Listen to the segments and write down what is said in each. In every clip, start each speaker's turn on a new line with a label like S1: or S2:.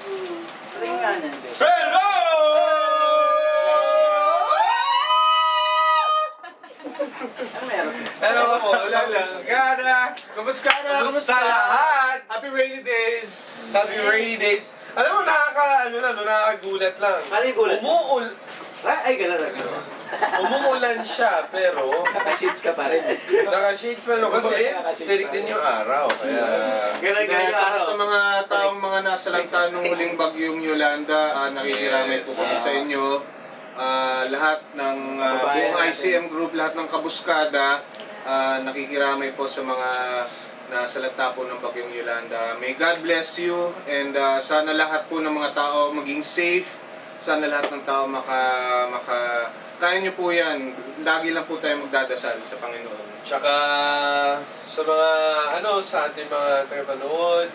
S1: Tingin nga na, Bes.
S2: Hello!
S1: Ano meron?
S2: Hello po, Kumusta lahat?
S3: Happy rainy days!
S2: Happy rainy days. Alam mo, nakakagulat lang.
S1: Ano yung gulat? Ay, gano'n na.
S2: Umuulan siya, pero
S1: Naka-shades ka pa rin.
S2: naka-shades pa no kasi tirik din yung araw. Kaya
S1: Gano'n
S3: Kaya
S1: yung
S3: tsaka
S1: araw.
S3: sa mga taong mga nasa lantan ng huling bagyong Yolanda, nakikiramay po kami sa inyo. Lahat ng buong ICM group, lahat ng kabuskada, nakikiramay po sa mga nasa lanta po ng bagyong Yolanda. May God bless you and sana lahat po ng mga tao maging safe. Sana lahat ng tao kaya nyo po yan. Lagi lang po tayo magdadasal sa Panginoon.
S2: tsaka sa mga sa ating mga tagapanood,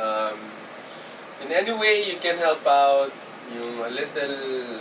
S2: in any way you can help out, yung a little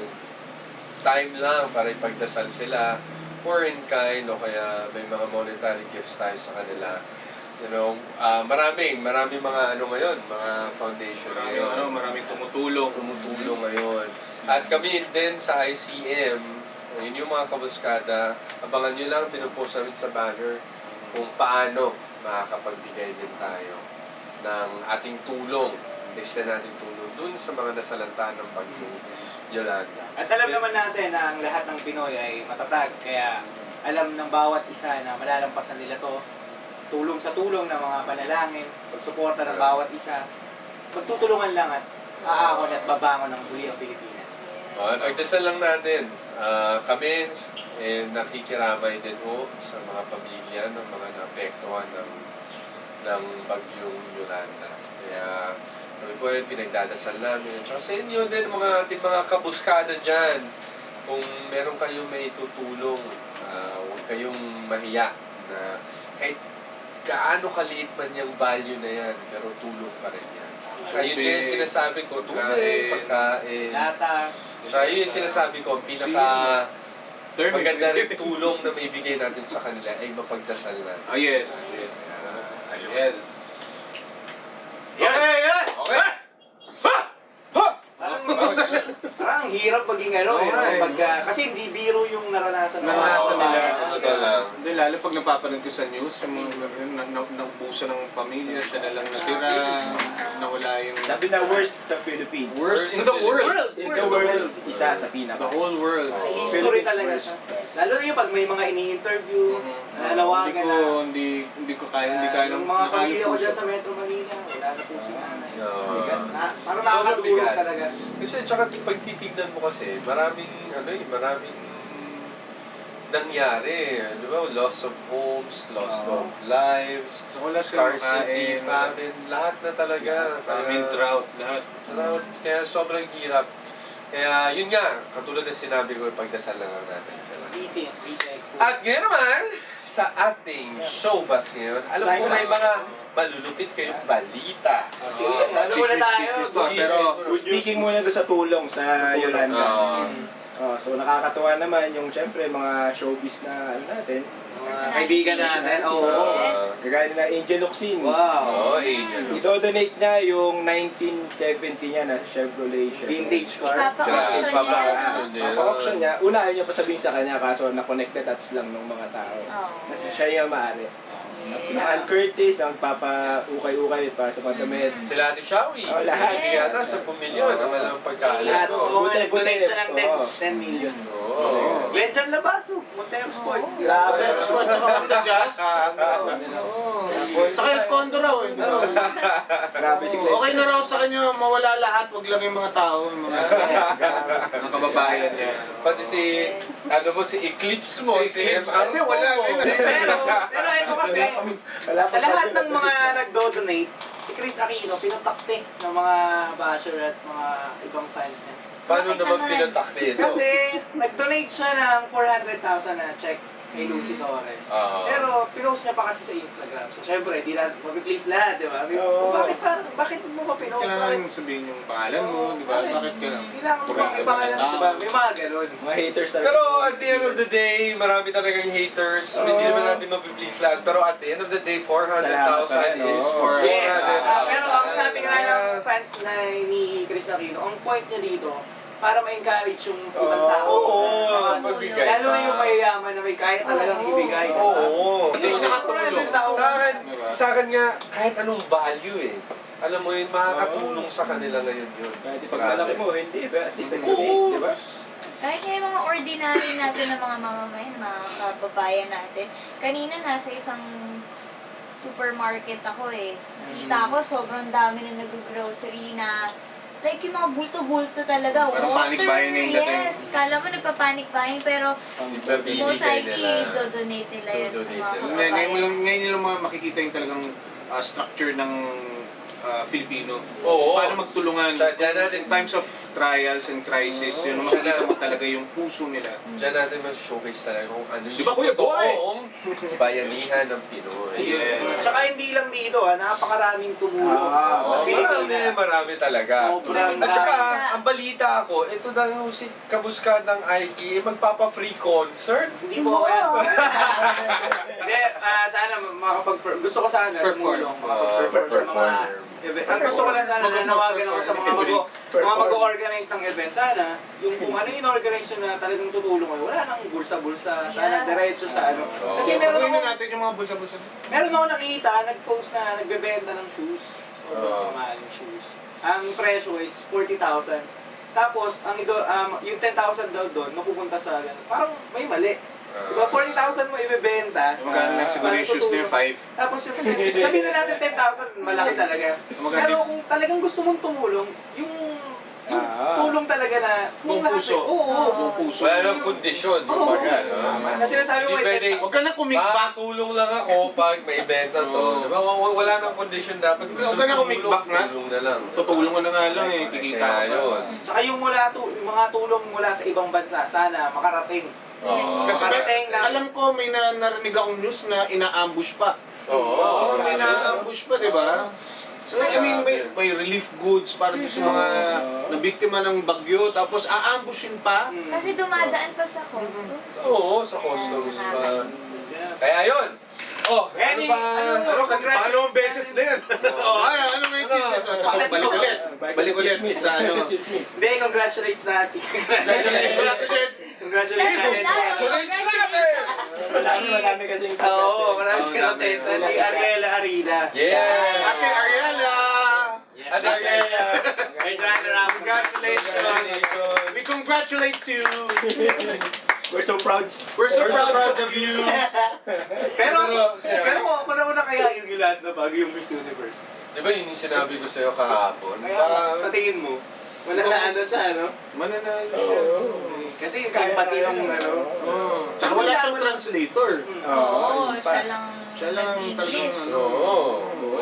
S2: time lang para ipagdasal sila, or in kind, o kaya may mga monetary gifts tayo sa kanila. You know, maraming mga ngayon, mga foundation ngayon.
S3: Maraming tumutulong.
S2: Ngayon. At kami din sa ICM, yun yung mga kabuskada, abangan nyo lang, pinupost namin sa banner kung paano makakapagbigay din tayo ng ating tulong, lista nating tulong dun sa mga nasalanta ng bagyong Yolanda.
S1: At alam naman natin na ang lahat ng Pinoy ay matatag, kaya alam ng bawat isa na malalampasan nila to. Tulong sa tulong ng mga panalangin, pagsuporta ng bawat isa, magtutulungan lang at aahon at babangon ng muli ang Pilipinas.
S2: Pagdasal lang natin, kami nakikiramay din sa mga pamilya ng mga naapektuhan ng bagyong Yolanda. Kaya kami po ay pinagdadasal namin. At sa inyo din, ating mga kabuskada dyan, kung meron kayong may tutulong, huwag kayong mahiya na kahit gaano kaliit man yung value na yan, pero tulong pa rin yan. Ayun din yung sinasabi ko, tubig, pagkain.
S1: Lata.
S2: So, yun yung sinasabi ko, maganda rin tulong na may bigay natin sa kanila ay mapagdasal na.
S3: Oh, yes. Yes. Yes.
S1: Yan!
S2: Okay!
S1: Parang ang hirap maging kasi hindi biro yung naranasan
S3: Naranasan nila.
S2: Totoo lang.
S3: Hindi, lalo pag napapanood ko sa news, yung mga naubusan ng pamilya, siya na lang natira, nawala yung...
S4: Sabi na worst sa Philippines.
S3: Worst in the world.
S4: In the world, isa sa pinaka.
S3: The whole world.
S1: History talaga siya. Lalo na yung pag may mga ini-interview, nalawagan na.
S3: Hindi kaya
S1: Yung mga pamilya ko dyan sa Metro Manila, wala na po si nanay. Parang
S2: So,
S1: nakakatulong
S2: mabigat.
S1: talaga.
S2: Kasi tsaka pag titignan mo kasi, maraming nangyari. Di ba? Loss of homes, loss of lives,
S3: So, wala silang
S2: scarcity,
S3: makain,
S2: famine, lahat na talaga.
S3: Famine, drought, lahat.
S2: Drought. Kaya sobrang hirap. Kaya yun nga, katulad na sinabi ko, pagdasal na lang natin sila.
S1: Eating.
S2: At ngayon naman, sa ating showbiz ngayon, alam ko may mga malulupit kayong balita.
S1: Sige, ano muna tayo?
S3: Pero,
S4: Speaking muna doon sa tulong sa Yolanda. So nakakatuwa naman yung syempre mga showbiz na natin.
S1: Kaibigan natin. Oo.
S4: Kagaya nila Angel Locsin.
S1: Wow.
S2: Angel.
S4: Idodonate niya yung 1970 niya na Chevrolet.
S1: Vintage car.
S5: Ipapa-auction niya.
S4: Papa-auction niya. Una ayaw niya pa sabihin sa kanya kaso na-connected dots lang ng mga tao. Kasi siya yung maaari. Sila Ann Curtis, nagpapa-ukay-ukay para sa pagdamit.
S2: Sila Ate Shawi.
S4: Lahat.
S2: Yata 10 milyon ang walang pagkaalam
S1: Lahat.
S2: ko.
S1: Oo, nag-donate siya ng
S4: Oo.
S1: 10 million.
S2: Oo.
S1: Glenn John Labaso, Montero Sport.
S4: Grabe.
S3: Sport, tsaka Honda Jazz. Saka yung Skondo raw eh.
S4: Grabe si Glenn.
S3: Okay na raw sa kanya mawala lahat, wag lang yung mga tao, yung mga kababayan niya.
S2: Pati si Eclipse mo, si MR.
S3: Wala
S1: Pero ito kasi, sa lahat ng mga nagdo-donate, si Chris Aquino pinatakte ng mga basher at mga ibang fans niya.
S2: Paano naman pinatakti ito?
S1: Kasi nag-donate siya ng 400,000 na check kay Lucy Torres.
S2: Oo.
S1: Pero pinost niya pa kasi sa Instagram. So syempre, di na mapiplease lahat, di ba?
S4: Oo.
S1: Bakit mo pa pinost?
S3: Kailangan sabihin yung pangalan mo, di ba? Bakit ka lang?
S1: Kailangan mo pang ipangalan, di ba? May mga ganun.
S4: Mga haters talaga.
S2: Pero at the end of the day, marami talagang haters.
S4: Oo.
S2: Hindi naman natin mapiplease lahat. Pero at the end of the day, 400,000
S4: Salamat pa rin,
S2: is
S4: oo.
S2: for
S1: Yes.
S2: 400,000.
S1: Pero ang sabi nga ng fans na ni Chris Aquino, ang point niya dito, para ma-encourage yung ibang tao.
S2: Oo, magbigay
S1: Lalo na
S2: pa.
S1: yung mayayaman na may kaya talagang ibigay. di ba?
S2: Oo.
S3: At least nakatulong.
S2: Sa akin,
S3: Diba?
S2: sa akin nga, kahit anong value eh. Alam mo yun, makakatulong sa kanila ngayon yun.
S4: Kahit pag malaki mo, hindi ba? At least
S2: Oo.
S4: nag-donate, di ba?
S6: Kahit nga yung mga ordinary natin na mga mamamayan, mga kababayan natin. Kanina nasa isang supermarket ako eh. Kita ko sobrang dami na nag-grocery na like yung mga bulto-bulto talaga.
S3: Parang panic buying na yung dating.
S6: Yes. Kala mo nagpa-panic buying pero
S2: Babibigay
S6: most likely
S2: nila.
S6: do-donate nila yun sa
S2: Do-donate
S6: mga
S2: nila.
S6: kababayan.
S3: Ngayon nyo lang makikita yung talagang structure ng Filipino.
S2: Oo.
S3: Paano magtulungan.
S2: Tsaka dyan natin-
S3: In times of trials and crisis, yun ang makikita mo talaga yung puso nila.
S2: Diyan natin mas-showcase talaga kung ano yung
S3: Di ba, Kuya Boy?
S2: totoong bayanihan ng Pinoy.
S3: Yes.
S1: Tsaka hindi lang dito, napakaraming tumulong.
S4: Ah,
S2: Marami talaga.
S1: Sobrang
S2: At saka,
S6: Sa-
S2: ang balita ako, ito daw si kabuskad ng Aiki, magpapa-free concert.
S1: Hindi mo kaya. Hindi, sana gusto ko sana
S3: Perform.
S1: tumulong. Makapag-perform sa mga event. Ang gusto ko lang sana, nanawagan ako sa mga mag-organize ng event. Sana, yung kung ano yung organize nyo na talagang tutulong kayo, wala nang bulsa-bulsa. Sana
S6: Yeah.
S1: diretso sa ano.
S2: Oo.
S1: Kasi meron
S3: Gawin
S1: ako,
S3: na natin yung mga bulsa-bulsa.
S1: meron ako nakita, nag-post na nagbebenta ng shoes. Sobrang mamahaling shoes. Ang presyo is 40,000. Tapos, yung 10,000 daw doon, mapupunta sa, parang may mali. Diba, 40,000 mo ibebenta.
S3: Magkano na siguro yung shoes na yung 5?
S1: Tapos yung sabihin na natin 10,000, malaki talaga.
S3: Magkano?
S1: Pero kung talagang gusto mong tumulong, yung tulong talaga na
S3: Buong
S1: lahat-
S3: puso.
S1: Oo.
S3: Buong puso.
S2: Wala nang kondisyon.
S1: Oo.
S2: Kumbaga,
S1: Kasi nasabi mo,
S2: Hindi pwede.
S3: Huwag ka na kumigbak.
S2: Makakatulong lang ako pag may event na to.
S3: Oo.
S2: Diba? Wala nang kondisyon dapat.
S3: Huwag ka na kumigbak nga.
S2: Tulong na lang.
S3: Tutulong ka na nga lang eh. Kikita
S2: Kaya
S3: ka pa.
S2: yun.
S1: Tsaka yung yung mga tulong mula sa ibang bansa, sana makarating.
S2: Oo.
S3: Kasi
S1: Parating na-
S3: alam ko may narinig akong news na ina-ambush pa.
S2: Oo.
S3: May na-ambush pa, di ba? So, I mean, may relief goods para doon sa mga nabiktima ng bagyo, tapos aambushin pa.
S6: Kasi dumadaan pa sa customs.
S2: Oo, sa customs pa. Kaya yun. Oh, ano
S1: Any-
S2: ba?
S3: Paano ang beses na yan? Ano may chismis? Tapos balik ulit. Balik ulit sa ano.
S4: Chismis.
S1: Hindi, congratulates natin. Congratulations.
S2: Congratulations natin!
S4: Marami kasing
S1: Oo, maraming
S3: Oo,
S1: natin. Sa
S3: dami.
S1: Ariela Arida.
S2: Yeah!
S3: Ate Ariela!
S2: Ate Ariela!
S1: May runner-up.
S2: Congratulations!
S3: We congratulate you!
S4: We're so proud.
S3: We're so
S2: We're so
S3: proud
S2: proud
S3: of
S2: of
S3: you!
S2: you!
S1: Pero
S2: Pero,
S1: ako na kaya yung Yolanda bago yung Miss Universe.
S2: Di ba yun yung sinabi ko sa'yo kahapon?
S1: Kaya sa tingin mo, wala na ano siya, ano?
S3: Mananalo siya.
S1: Kasi yung sympathy ng ano.
S3: Oh. Tsaka wala siyang translator.
S6: Oo, siya lang.
S3: Siya lang ang talagang ano.
S2: Oo.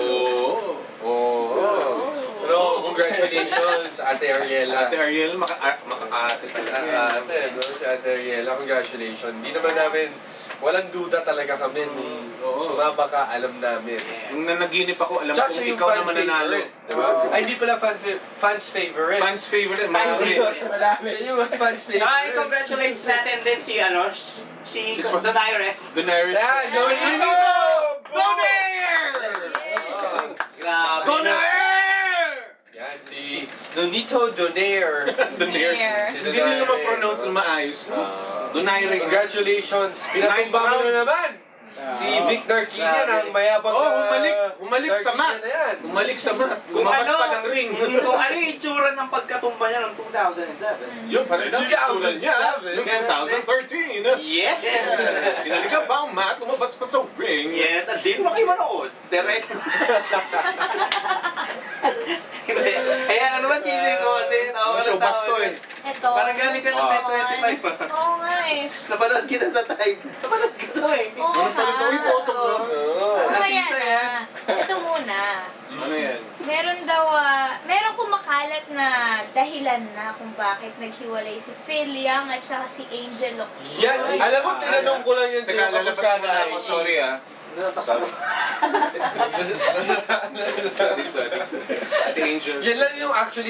S2: Oo. Pero congratulations, Ate Ariela.
S3: Ate Ariel, maka-ate talaga.
S2: Ate, no? Si Ate Ariela, congratulations. Hindi naman namin, walang duda talaga kami nung
S3: Oo.
S2: sumaba ka, alam namin.
S3: Nung nanaginip ako, alam
S2: Tsaka
S3: kong
S2: siya yung
S3: ikaw
S2: fan
S3: na mananalo.
S2: favorite, diba? Ay, hindi pala fans favorite.
S3: Fans favorite.
S1: Fans
S3: Marami.
S1: favorite.
S4: Madami.
S2: Siya yung fans
S1: Saka
S2: favorite.
S1: congratulates natin din si ano, si
S3: She's from-
S1: Donaires.
S3: Daenerys.
S2: Ah, no, no!
S3: Go there!
S1: Grabe.
S3: Go there!
S2: Yan, si Nonito Donaire.
S3: Daenerys.
S2: Si
S3: Hindi nila ma-pronounce na maayos. Donaire.
S2: Congratulations! Pinatumba mo na naman! Si Vic Narquina ng mayabang
S3: Oh, humalik sa mat.
S2: Narquina na yan.
S3: Bumalik sa mat. Lumabas pa ng ring.
S1: Kung ano yung itsura ng pagkatumba niya ng 2007.
S3: Yung pala na,
S2: 2007.
S3: niya. Yung 2013.
S1: Yes!
S3: Sinaliga ba ang mat? Lumabas pa sa ring.
S1: Yes, at di mo kayo manood. Direct. Hindi. Kaya ano naman, Jesus mo kasi tawa ka
S3: Show
S1: ng tawa.
S3: basto eh.
S6: Ito.
S1: Parang galing ka ng
S3: Ah.
S1: 1025 pa.
S6: Oo nga eh.
S1: Napanood kita sa type. Napanood ka to eh.
S6: Oo
S3: Ano pa rin to? Uy, autograph.
S2: Oo.
S6: Mamaya
S1: Artista
S6: na.
S1: yan.
S6: Ito muna.
S3: Ano yan?
S6: Meron daw, meron kumakalat na dahilan na kung bakit naghiwalay si Phil Young at saka si Angel Locsin.
S2: Yan, alam mo, tinanong ko lang yun
S3: Teka,
S2: sa'yo
S3: lalabas
S2: kamusta
S3: muna ako. Sorry ah.
S2: Sorry.
S3: Sorry. Ate Angel.
S2: Yan lang yung actually